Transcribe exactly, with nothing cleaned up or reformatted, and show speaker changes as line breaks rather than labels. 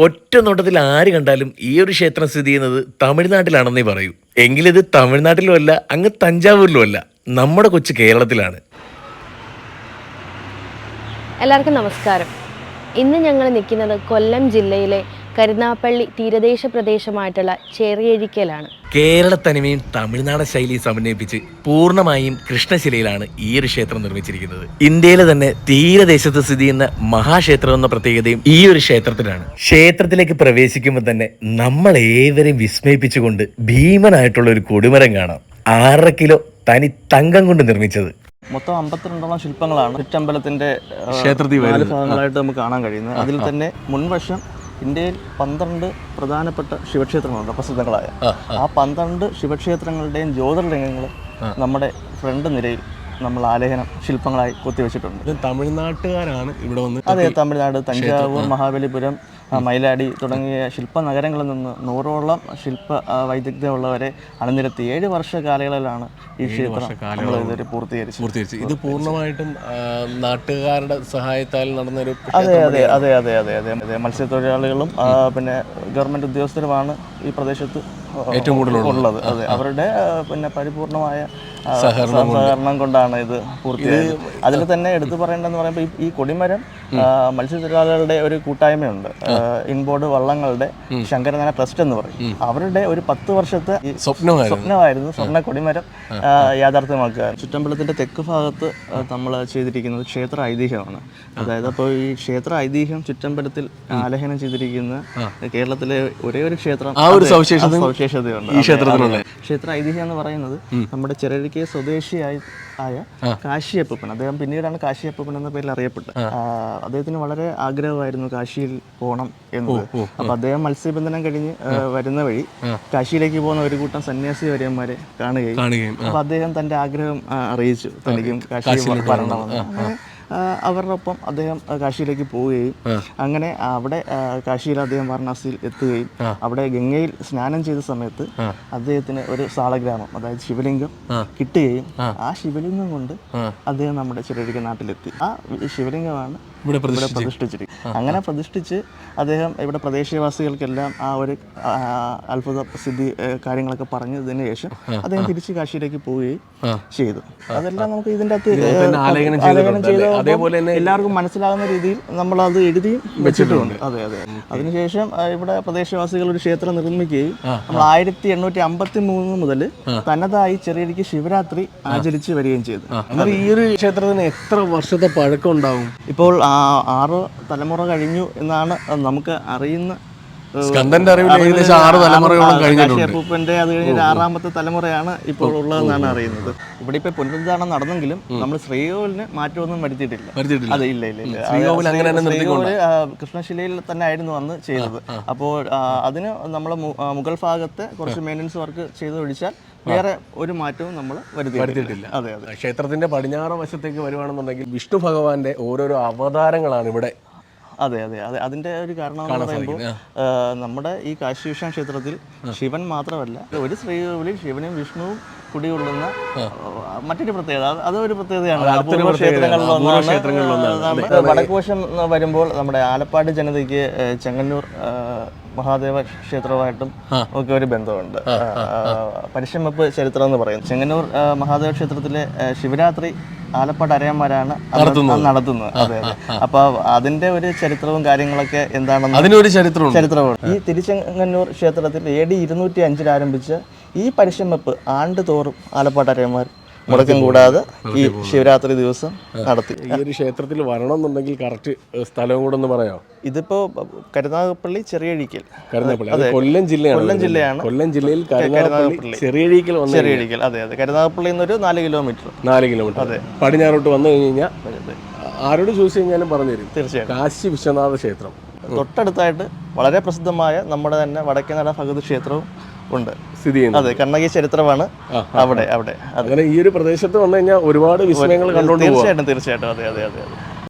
ഒറ്റ നോട്ടത്തിൽ ആര് കണ്ടാലും ഈ ഒരു ക്ഷേത്രം സ്ഥിതി ചെയ്യുന്നത് തമിഴ്നാട്ടിലാണെന്നേ പറയൂ. എങ്കിലിത് തമിഴ്നാട്ടിലും അല്ല, അങ്ങ് തഞ്ചാവൂരിലും അല്ല, നമ്മുടെ കൊച്ചു കേരളത്തിലാണ്.
എല്ലാവർക്കും നമസ്കാരം. ഇന്ന് ഞങ്ങൾ നിൽക്കുന്നത് കൊല്ലം ജില്ലയിലെ കരുനാഗപ്പള്ളി തീരദേശ പ്രദേശമായിട്ടുള്ള ചെറിയഴിക്കലാണ്.
കേരള തനിമയും തമിഴ്നാട് ശൈലിയും സമന്വയിപ്പിച്ച് പൂർണ്ണമായും കൃഷ്ണശിലയിലാണ് ഈ ഒരു ക്ഷേത്രം നിർമ്മിച്ചിരിക്കുന്നത്. ഇന്ത്യയിലെ തന്നെ തീരദേശത്ത് സ്ഥിതി ചെയ്യുന്ന മഹാക്ഷേത്രം എന്ന പ്രത്യേകതയും ഈ ഒരു ക്ഷേത്രത്തിനാണ്. ക്ഷേത്രത്തിലേക്ക് പ്രവേശിക്കുമ്പോൾ തന്നെ നമ്മൾ ഏവരെയും വിസ്മയിപ്പിച്ചുകൊണ്ട് ഭീമനായിട്ടുള്ള ഒരു കൊടിമരം കാണാം. ആറര കിലോ തനി തങ്കം കൊണ്ട് നിർമ്മിച്ചത്.
മൊത്തം അമ്പത്തിരണ്ടോളം ശില്പങ്ങളാണ് ചുറ്റമ്പലത്തിന്റെ ക്ഷേത്രത്തിൽ നാല് ഭാഗങ്ങളായിട്ട് നമുക്ക് കാണാൻ കഴിയുന്നത്. അതിൽ തന്നെ മുൻവശം ഇന്ത്യയിൽ പന്ത്രണ്ട് പ്രധാനപ്പെട്ട ശിവക്ഷേത്രങ്ങളുണ്ട്, പ്രസിദ്ധങ്ങളായ. ആ പന്ത്രണ്ട് ശിവക്ഷേത്രങ്ങളുടെയും ജ്യോതിർലിംഗങ്ങൾ നമ്മുടെ ഫ്രണ്ട് നിരയിൽ നമ്മൾ ആലേഖനം ശില്പങ്ങളായി കൊത്തിവെച്ചിട്ടുണ്ട്.
തമിഴ്നാട്ടുകാരാണ് ഇവിടെ വന്ന്.
അതെ, തമിഴ്നാട്, തഞ്ചാവൂർ, മഹാബലിപുരം, മയിലാടി തുടങ്ങിയ ശില്പ നഗരങ്ങളിൽ നിന്ന് നൂറോളം ശില്പ വൈദഗ്ധ്യമുള്ളവരെ അണിനിരത്തി ഏഴ് വർഷ കാലയളവിലാണ് ഈ ക്ഷേത്രം നമ്മൾ ഇതുവരെ പൂർത്തീകരിച്ചത്.
ഇത് പൂർണ്ണമായിട്ടും നാട്ടുകാരുടെ സഹായത്താൽ നടന്നൊരു.
അതെ അതെ അതെ അതെ അതെ അതെ അതെ മത്സ്യത്തൊഴിലാളികളും പിന്നെ ഗവൺമെന്റ് ഉദ്യോഗസ്ഥരുമാണ് ഈ പ്രദേശത്ത്
ഏറ്റവും കൂടുതൽ
ഉള്ളത്. അതെ, അവരുടെ പിന്നെ പരിപൂർണമായ സഹകരണം കൊണ്ടാണ് ഇത് പൂർത്തിയായത്. അതിൽ തന്നെ എടുത്തു പറയേണ്ടതെന്ന് പറയുമ്പോൾ ഈ കൊടിമരം മത്സ്യത്തൊഴിലാളികളുടെ ഒരു കൂട്ടായ്മയുണ്ട്, ഇൻബോർഡ് വള്ളങ്ങളുടെ ശങ്കരനാരായണ ട്രസ്റ്റ് എന്ന് പറയും. അവരുടെ ഒരു പത്ത് വർഷത്തെ സ്വപ്നമായിരുന്നു സ്വർണ്ണ കൊടിമരം യാഥാർത്ഥ്യമാക്കുക. ചുറ്റമ്പലത്തിന്റെ തെക്ക് ഭാഗത്ത് നമ്മൾ ചെയ്തിരിക്കുന്നത് ക്ഷേത്ര ഐതിഹ്യമാണ്. അതായത് അപ്പോൾ ഈ ക്ഷേത്ര ഐതിഹ്യം ചുറ്റമ്പലത്തിൽ ആലേഖനം ചെയ്തിരിക്കുന്ന കേരളത്തിലെ ഒരേ ഒരു ക്ഷേത്രം,
ആ ഒരു സവിശേഷതയുണ്ട്
ഈ ക്ഷേത്രത്തിലുള്ള. ക്ഷേത്ര ഐതിഹ്യം എന്ന് പറയുന്നത് നമ്മുടെ ചെറിയഴിക്കൽ സ്വദേശിയായി ആയ കാശിയപ്പൻ, അദ്ദേഹം പിന്നീടാണ് കാശിയപ്പൻ എന്ന പേരിൽ അറിയപ്പെട്ടത്. അദ്ദേഹത്തിന് വളരെ ആഗ്രഹമായിരുന്നു കാശിയിൽ പോകണം എന്നത്. അപ്പൊ അദ്ദേഹം മത്സ്യബന്ധനം കഴിഞ്ഞ് വരുന്ന വഴി കാശിയിലേക്ക് പോകുന്ന ഒരു കൂട്ടം സന്യാസി വര്യന്മാരെ കാണുകയും അപ്പൊ അദ്ദേഹം തന്റെ ആഗ്രഹം അറിയിച്ചു, തനിക്കും കാശിയിൽ വരണമെന്ന്. അവരുടെ ഒപ്പം അദ്ദേഹം കാശിയിലേക്ക് പോവുകയും അങ്ങനെ അവിടെ കാശിയിൽ അദ്ദേഹം വാരണാസിയിൽ എത്തുകയും അവിടെ ഗംഗയിൽ സ്നാനം ചെയ്ത സമയത്ത് അദ്ദേഹത്തിന് ഒരു സാളഗ്രാമം, അതായത് ശിവലിംഗം കിട്ടുകയും ആ ശിവലിംഗം കൊണ്ട് അദ്ദേഹം നമ്മുടെ ചെറിയ നാട്ടിലെത്തി. ആ ശിവലിംഗമാണ് ഇവിടെ പ്രതിഷ്ഠിച്ചിരിക്കും. അങ്ങനെ പ്രതിഷ്ഠിച്ച് അദ്ദേഹം ഇവിടെ പ്രദേശവാസികൾക്കെല്ലാം ആ ഒരു അത്ഭുത പ്രസിദ്ധി കാര്യങ്ങളൊക്കെ പറഞ്ഞതിന് ശേഷം അദ്ദേഹം തിരിച്ച് കാശിയിലേക്ക് പോവുകയും ചെയ്തു. അതെല്ലാം നമുക്ക് ഇതിൻ്റെ അകത്ത് ആലേഖനം ചെയ്ത അതേപോലെ തന്നെ എല്ലാവർക്കും മനസ്സിലാകുന്ന രീതിയിൽ നമ്മൾ അത് എഴുതിയും വെച്ചിട്ടുമുണ്ട്. അതെ അതെ അതിനുശേഷം ഇവിടെ പ്രദേശവാസികൾ ഒരു ക്ഷേത്രം നിർമ്മിക്കുകയും നമ്മൾ ആയിരത്തി എണ്ണൂറ്റി അമ്പത്തി മൂന്ന് മുതൽ തനതായി ചെറിയഴിക്ക് ശിവരാത്രി ആചരിച്ച് വരികയും ചെയ്തു.
ഈ ഒരു ക്ഷേത്രത്തിന് എത്ര വർഷത്തെ പഴക്കം ഉണ്ടാവും?
ഇപ്പോൾ ആറ് തലമുറ കഴിഞ്ഞു എന്നാണ് നമുക്ക് അറിയുന്ന. കാശിയപ്പൂപ്പന്റെ അത് കഴിഞ്ഞ ആറാമത്തെ തലമുറയാണ് ഇപ്പോൾ ഉള്ളതെന്നാണ് അറിയുന്നത്. ഇവിടെ ഇപ്പൊ പുനരുദ്ധാരണം നടന്നെങ്കിലും നമ്മൾ ശ്രീകോവിലിന് മാറ്റമൊന്നും വരുത്തിയിട്ടില്ല. അതെ, ഇല്ല ഇല്ല ഇല്ല ശ്രീകോവില് കൃഷ്ണശിലയിൽ തന്നെ ആയിരുന്നു അന്ന് ചെയ്തത്. അപ്പോൾ അതിന് നമ്മൾ മുഗൾ ഭാഗത്തെ കുറച്ച് മെയിൻ്റനൻസ് വർക്ക് ചെയ്തൊഴിച്ചാൽ വേറെ ഒരു മാറ്റവും നമ്മൾ വരുത്തിയിട്ടില്ല. അതെ അതെ
ക്ഷേത്രത്തിന്റെ പടിഞ്ഞാറ് വശത്തേക്ക് വരുവാണെന്നുണ്ടെങ്കിൽ വിഷ്ണു ഭഗവാന്റെ ഓരോരോ അവതാരങ്ങളാണ് ഇവിടെ.
അതെ അതെ അതെ അതിന്റെ ഒരു കാരണം എന്ന് പറയുമ്പോൾ നമ്മുടെ ഈ കാശി വിശ്വനാഥ ക്ഷേത്രത്തിൽ ശിവൻ മാത്രമല്ല, ഒരു ശ്രീകോവിലിൽ ശിവനും വിഷ്ണുവും കുടികൊള്ളുന്ന മറ്റൊരു പ്രത്യേകത, അതൊരു പ്രത്യേകതയാണ്. വടക്കുവശം വരുമ്പോൾ നമ്മുടെ ആലപ്പാട് ജനതയ്ക്ക് ചെങ്ങന്നൂർ മഹാദേവ ക്ഷേത്രവുമായിട്ടും ഒക്കെ ഒരു ബന്ധമുണ്ട്. പരിശ്രമപ്പ് ചരിത്രം എന്ന് പറയും. ചെങ്ങന്നൂർ മഹാദേവ ക്ഷേത്രത്തിലെ ശിവരാത്രി ആലപ്പാട് അരയന്മാരാണ് നടത്തുന്നത്. അതെ അതെ അപ്പൊ അതിന്റെ ഒരു ചരിത്രവും കാര്യങ്ങളൊക്കെ എന്താണെന്ന്
അതിനൊരു ചരിത്രവും
ചരിത്രമാണ്. ഈ തിരുച്ചെങ്ങന്നൂർ ക്ഷേത്രത്തിൽ എ ഡി ഇരുന്നൂറ്റി അഞ്ചിൽ ആരംഭിച്ച ഈ പരിശ്രമപ്പ് ആണ്ട് തോറും ആലപ്പാട് അരയന്മാർ മുടക്കം കൂടാതെ ഈ ശിവരാത്രി ദിവസം നടത്തി.
ഈ ഒരു ക്ഷേത്രത്തിൽ വരണമെന്നുണ്ടെങ്കിൽ കറക്റ്റ് സ്ഥലവും കൂടെ ഒന്ന് പറയാമോ?
ഇതിപ്പോ കരുനാഗപ്പള്ളി ചെറിയഴിക്കൽ,
കൊല്ലം ജില്ലയാണ്.
കൊല്ലം ജില്ലയാണ്.
കൊല്ലം ജില്ലയിൽ കരുനാഗപ്പള്ളി ചെറിയഴിക്കൽ
ചെറിയഴിക്കൽ അതെ അതെ കരുനാഗപ്പള്ളി എന്നൊരു നാല് കിലോമീറ്റർ
നാല് കിലോമീറ്റർ അതെ പടിഞ്ഞാറോട്ട് വന്നു കഴിഞ്ഞ് കഴിഞ്ഞാൽ ആരോട് ചോദിച്ചു കഴിഞ്ഞാലും പറഞ്ഞു തരും.
തീർച്ചയായും
കാശി വിശ്വനാഥ ക്ഷേത്രം
തൊട്ടടുത്തായിട്ട് വളരെ പ്രസിദ്ധമായ നമ്മുടെ തന്നെ വടക്കേനട ഭഗവതി ക്ഷേത്രവും ഉണ്ട്
സ്ഥിതി ചെയ്യുന്നത്.
അതെ, കണ്ണകി ചരിത്രമാണ് അവിടെ അവിടെ
അങ്ങനെ ഈ ഒരു പ്രദേശത്ത് വന്നു കഴിഞ്ഞാൽ ഒരുപാട് വിസ്മയങ്ങൾ കണ്ടുകൊണ്ട്
തീർച്ചയായിട്ടും തീർച്ചയായിട്ടും അതെ അതെ അതെ അതെ